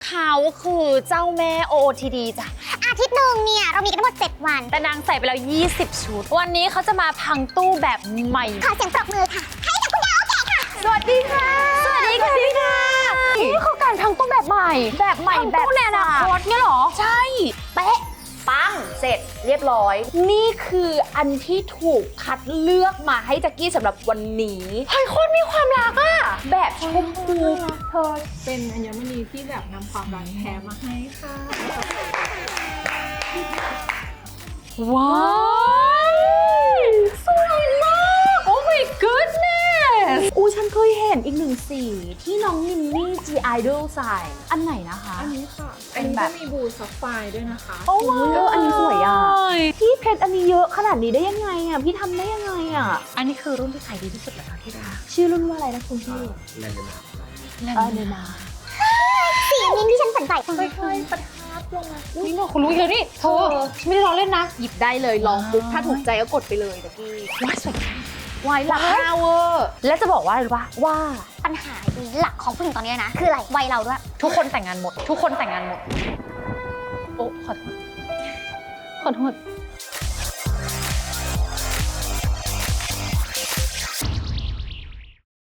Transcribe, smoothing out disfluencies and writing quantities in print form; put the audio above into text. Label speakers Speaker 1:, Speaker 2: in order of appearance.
Speaker 1: เขาคือเจ้าแม่ OOTD จ้ะ
Speaker 2: อาทิตย์หนึ่งเนี่ยเรามีกันทั้งหมด7 วัน
Speaker 1: แต่นางใส่ไปแล้ว20 ชุดวันนี้เขาจะมาพังตู้แบบใหม่
Speaker 2: ขอเสียงปรบมือค่ะให้กับคุณดาวโอเคค่ะ
Speaker 1: สวัสดีค่ะสวัสดีค่ะนี่คือการพังตู้แบบใหม่แบบตู้ในอนาคตเนี่ยหรอใช่เป๊ะปังเสร็จเรียบร้อยนี่คืออันที่ถูกคัดเลือกมาให้แจ็กกี้สำหรับวันนี้เฮ้ยโคตรมีความรักอะแบบชมพู
Speaker 3: เธอเป็นอัญมณีที่แบบนำความรักแท้มาให้ค่ะ
Speaker 1: ว้าวสวยมากโอ้ my goodness อู้ฉันเคยเห็นอีกหนึ่งสีที่น้องมินนี่ G Idol ใส่อันไหนนะคะ
Speaker 3: อันนี้ค่ะ
Speaker 1: เป็
Speaker 3: อัน
Speaker 1: น
Speaker 3: นี้
Speaker 1: แบบ
Speaker 3: ก็มีบูซัฟไฟร์ด้วยนะคะ
Speaker 1: โอ้โห
Speaker 4: อันนี้สวยอ่ะ พี่เพชรอันนี้เยอะขนาดนี้ได้ยังไงอ่ะ พี่ทำได้ยังไงอ่ะ
Speaker 1: อันนี้คือรุ่นที่ขายดีที่สุดแล้วที่รัก
Speaker 4: ชื่อรุ่นว่าอะไรนะคุณพี่
Speaker 1: แลน
Speaker 4: เดนา
Speaker 2: สีนี้ที่ฉันสนใจ
Speaker 1: ค่อยๆประทับลงมาอุ้ยคุณรู้เยอะนี่เธอไม่ได้ลองเล่นนะหยิบได้เลยลองปุ๊บถ้าถูกใจก็กดไปเลยตะกี้ว้ายสวยมากวายหลัก5เวอร์และจะบอกว่าอะไรรู้ปะว่า
Speaker 2: ปัญหาหลักของผู้หญิงตอนนี้นะ คืออะไรวัยเราด้วย
Speaker 1: ทุกคนแต่งงานหมด ทุกคนแต่งงานหมดโอ้ขอโทษ